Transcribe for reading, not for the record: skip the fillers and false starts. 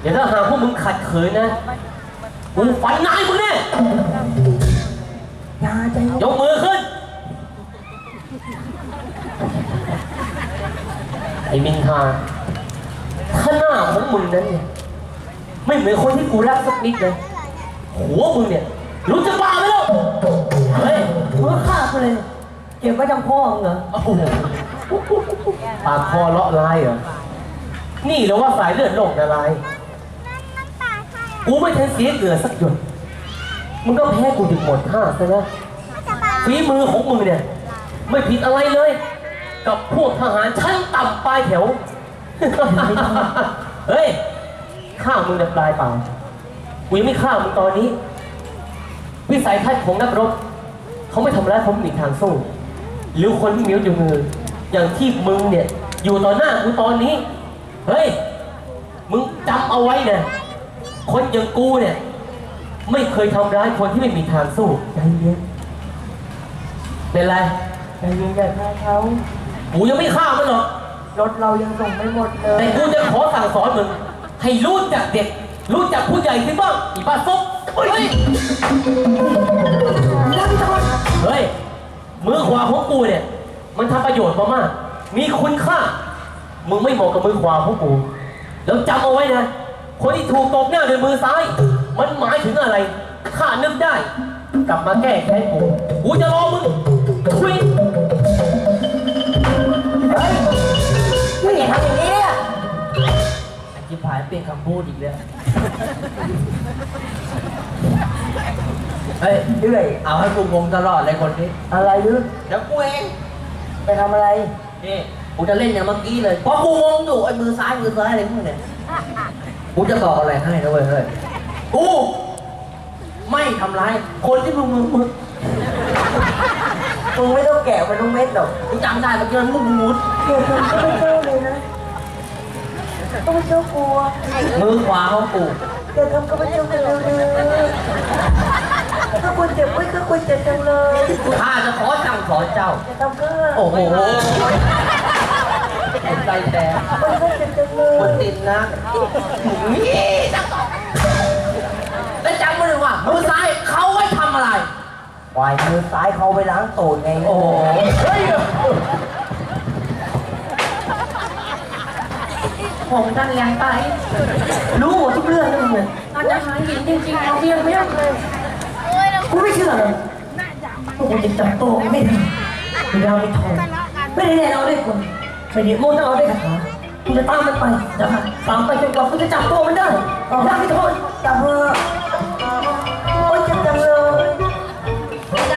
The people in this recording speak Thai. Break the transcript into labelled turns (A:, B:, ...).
A: เดี๋ยวถ้าหากพวกมึงขัดขืนนะกูฟันนายมึงแน่
B: อย่าใจ
A: ยกมือขึ้นไอ้มินทาถ้าหน้าของมึงนั้นเนี่ยไม่เหมือนคนที่กูรักสักนิดเลยหัวมึงเนี่ยรู้จะบ้าไหมล่ะเฮ้ยมึงฆ่ากูเลยเก็บไว้จำพ่อมึงเหรอปากคอเลาะลายเหรอนี่เราว่าสายเลือดโลกละลายกูไม่ทันเสียเกลือสักหยดมึงก็แพ้กูถึงหมดท่าซะนะฝีมือของมึงเนี่ยไม่ผิดอะไรเลยกับพวกทหารชั้นต่ำปลายแถวเฮ้ยฆ่ามึงเนี่ยปลายเปล่ากูยังไม่ฆ่ามึงตอนนี้วิสัยทัศน์ของนักรบเขาไม่ทำร้ายเขาไม่มีทางสู้หรือคนที่มีอยู่มืออย่างที่มึงเนี่ยอยู่ต่อหน้ากูตอนนี้เฮ้ยมึงจำเอาไว้นะคนอย่างกูเนี่ยไม่เคยทำร้ายคนที่ไม่มีทางสู้ใจเย็นเป็นไรใจเย็นอย่าฆ่าเขากูยังไม่ฆ่ามันหรอกรถเรายังส่งไม่หมดเลยแต่กูจะขอสั่งสอนมึงให้รู้จักเด็กรู้จักผู้ใหญ่ขึ้นบ้างอีบ้าซุกเฮ้ยเฮ้ยมือขวาของกูเนี่ยมันทำประโยชน์มามากมีคุณค่ามึงไม่เหมาะกับมือขวาของกูแล้วจำเอาไว้นะคนที่ถูกตบหน้าด้วยมือซ้ายมันหมายถึงอะไรข้านึกได้กลับมาแก้แค้นกูจะรอมึงทุยเฮ้ยไม่อย่าทำอย่างนี้เนี่ยจิ๋ผายเปลี่ยนคำพูดอีกแล้วเฮ้ยเรื่อยเอาให้กูงงตลอดเลยคนนี้อะไรยืดเดี๋ยวกูเองไปทำอะไรนี่กูจะเล่นอย่างเมื่อกี้เลยเพราะกูงงอยู่ไอ้มือซ้ายอะไรพวกเนี่ยกูจะบอกอะไรให้นะเว้ยเฮ้ยกูไม่ทำร้ายคนที่มึงไม่ต้องแกะมันต้องเม็ดหรอกกูจำได้เมื่อกี้มึงมุด
B: เดี๋ยวผมก็ไม่เจ้าเลยนะต้องเจ้ากลัว
A: มือขวาของกู
B: เดี๋ยวทำก็ไม่เจ้ากันเลยถ้าคุณเจ็บไม่ก็คุณเจ็บจังเลย
A: ข้าจะขอสั่งสอนเจ้า
B: จะทำก็
A: โอ้โหใจแต่
B: มันก็เจ็บจังเลย
A: มันติดนะนี่แล้วจำไว้เลยว่ามือซ้ายเขาไว้ทำอะไร
B: วายมือซ้ายเขาไปล้างตูดไง
A: โอ้โหเฮ้ย
B: ผมท่านแรงไปรู้หมดทุกเรื่องเลย
C: อาจจะหาหินจริงๆเอาเพียงไม่ได้เลย
B: กูไม่เชื่อเลยกูจะจับตัวไม่ได้ไม่ได้ไม่ทองไม่ได้แน่เอาได้คนไม่ได้โม่ต้องเอาได้คาถากูจะตามมันไปจะตามไปจนกว่ากูจะจับตัวมันได้ได้ไม่ทองจับเถอะ